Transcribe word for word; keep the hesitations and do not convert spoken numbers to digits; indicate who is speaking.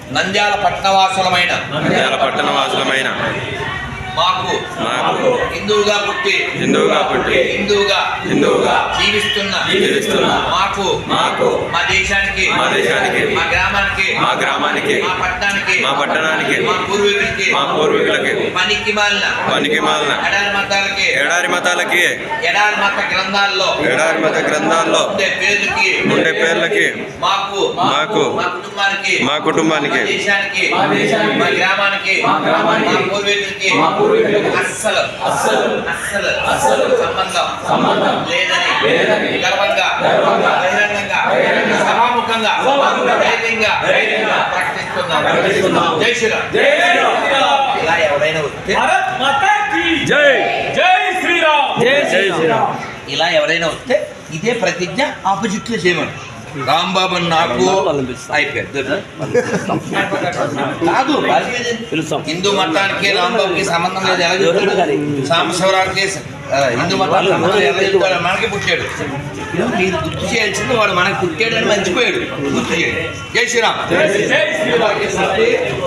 Speaker 1: నంద్యాల పట్టణవాసులమైన
Speaker 2: నంద్యాల పట్టణవాసులమైన
Speaker 1: మాకు
Speaker 2: మాకు
Speaker 1: హిందువుగా పుట్టి
Speaker 2: హిందువుగా పుట్టి
Speaker 1: హిందువుగా
Speaker 2: హిందువుగా
Speaker 1: జీవిస్తున్న
Speaker 2: జీవిస్తున్న
Speaker 1: మాకు
Speaker 2: మాకు
Speaker 1: మా దేశానికి
Speaker 2: మా దేశానికి
Speaker 1: మా గ్రామానికి
Speaker 2: మా గ్రామానికి
Speaker 1: మా పట్టణానికి
Speaker 2: మా పట్టణానికి
Speaker 1: మా పూర్వీకులకి
Speaker 2: మా పూర్వీకులకి
Speaker 1: పనికి మాలిన
Speaker 2: పనికి మాలిన
Speaker 1: ఎడారి మతాలకి
Speaker 2: ఎడారి మతాలకి
Speaker 1: ఎడారి మత గ్రంథాల్లో
Speaker 2: ఎడారి మత గ్రంథాల్లో
Speaker 1: ఉండే పేర్లకి
Speaker 2: ఉండే పేర్లకి
Speaker 1: మాకు
Speaker 2: మాకు
Speaker 1: మా కుటుంబానికి
Speaker 2: మా కుటుంబానికి
Speaker 1: మా దేశానికి మా గ్రామానికి మా పూర్వీకులకి అస్సలు అస్సలు అస్సలు అస్సలు సంబంధం సంబంధం లేదని లేదని గర్వంగా బహిరంగంగా సభాముఖంగా ధైర్యంగా ప్రకటిస్తున్నాం. జై శ్రీరామ్. ఇలా ఎవరైనా వస్తే
Speaker 2: జై
Speaker 3: జై శ్రీరామ్.
Speaker 2: జై శ్రీరామ్.
Speaker 1: ఇలా ఎవరైనా వస్తే ఇదే ప్రతిజ్ఞ ఆపోజిట్ లో చేయమని రాంబాబు నాకు అయిపోయారు కాదు హిందూ మతానికి రాంబాబుకి సంబంధం లేదు. ఎలా చెప్తాడు? సాంబశివరావుకి హిందూ మతానికి సంబంధం ఎలా చెప్తాడు? మనకి పుట్టాడు. మీరు గుర్తు చేయాల్సింది వాడు మనకి పుట్టాడు అని మర్చిపోయాడు. గుర్తు చేయండి. జై శ్రీరామ్.
Speaker 3: జై శ్రీరామ్.